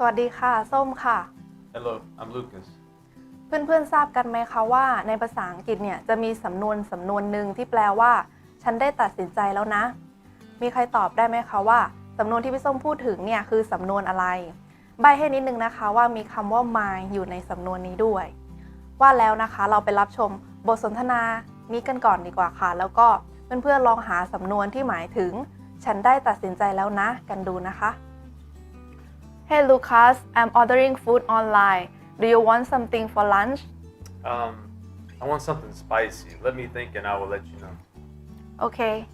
วัสดีค่ะส้มค่ะ Hello, I'm Lucas. เพื่อนๆทราบกันไหมคะว่าในภาษาอังกฤษเนี่ยจะมีสำนวนหนึ่งที่แปลว่าฉันได้ตัดสินใจแล้วนะมีใครตอบได้ไหมคะว่าสำนวนที่พี่ส้มพูดถึงเนี่ยคือสำนวนอะไรใบให้นิดนึงนะคะว่ามีคำว่า my อยู่ในสำนวนนี้ด้วยว่าแล้วนะคะเราไปรับชมบทสนทนานี้กันก่อนดีกว่าค่ะแล้วก็เพื่อนๆลองหาสำนวนที่หมายถึงฉันได้ตัดสินใจแล้วนะกันดูนะคะ Hey Lucas, I'm ordering food online. Do you want something for lunch? I want something spicy. Let me think and I will let you know. Okay.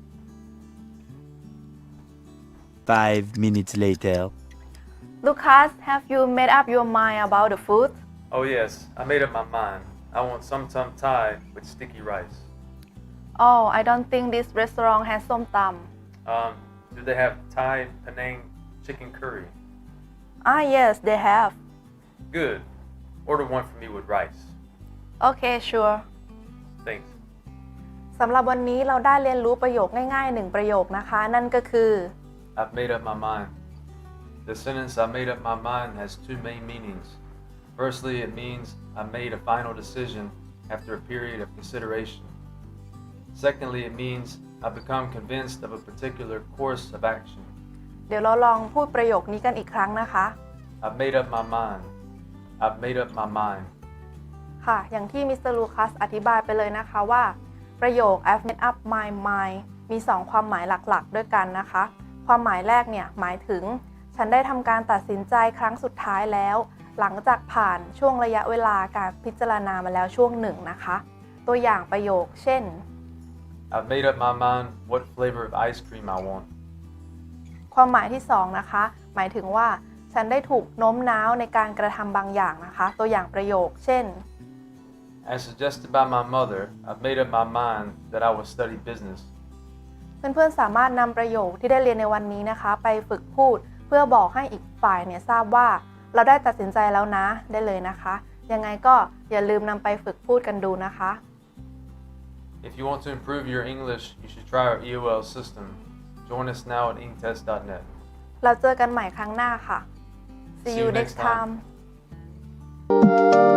5 minutes later. Lucas, have you made up your mind about the food? Oh yes, I made up my mind. I want some Thai with sticky rice. Oh, I don't think this restaurant has som tam. Do they have Thai Penang chicken curry? Ah, yes, they have. Good. Order one for me with rice. Okay, sure. Thanks. สำหรับวันนี้เราได้เรียนรู้ประโยคง่ายๆ1ประโยคนะคะนั่นก็คือ I've made up my mind. The sentence I made up my mind has two main meanings. Firstly, it means I made a final decision after a period of consideration. Secondly, it means I've become convinced of a particular course of action. เดี๋ยวเราลองพูดประโยคนี้กันอีกครั้งนะคะ I've made up my mind. I've made up my mind. ค่ะ อย่างที่มิสเตอร์ลูคัสอธิบายไปเลยนะคะว่าประโยค I've made up my mind มี2ความหมายหลักๆด้วยกันนะคะ ความหมายแรกเนี่ยหมายถึงฉันได้ทำการตัดสินใจครั้งสุดท้ายแล้วหลังจากผ่านช่วงระยะเวลาการพิจารณามาแล้วช่วงหนึ่งนะคะตัวอย่างประโยคเช่น I've made up my mind what flavor of ice cream I want. ความหมายที่2นะคะหมายถึงว่าฉันได้ถูกโน้มน้าวในการกระทำบางอย่างนะคะตัวอย่างประโยคเช่น As suggested by my mother, I've made up my mind that I will study business. เพื่อนๆสามารถนำประโยคที่ได้เรียนในวันนี้นะคะไปฝึกพูดเพื่อบอกให้อีกฝ่ายเนี่ยทราบว่าเราได้ตัดสินใจแล้วนะได้เลยนะคะยังไงก็อย่าลืมนำไปฝึกพูดกันดูนะคะ If you want to improve your English, you should try our EOL system. Join us now at engtest.net. เราเจอกันใหม่ครั้งหน้าค่ะ See you next time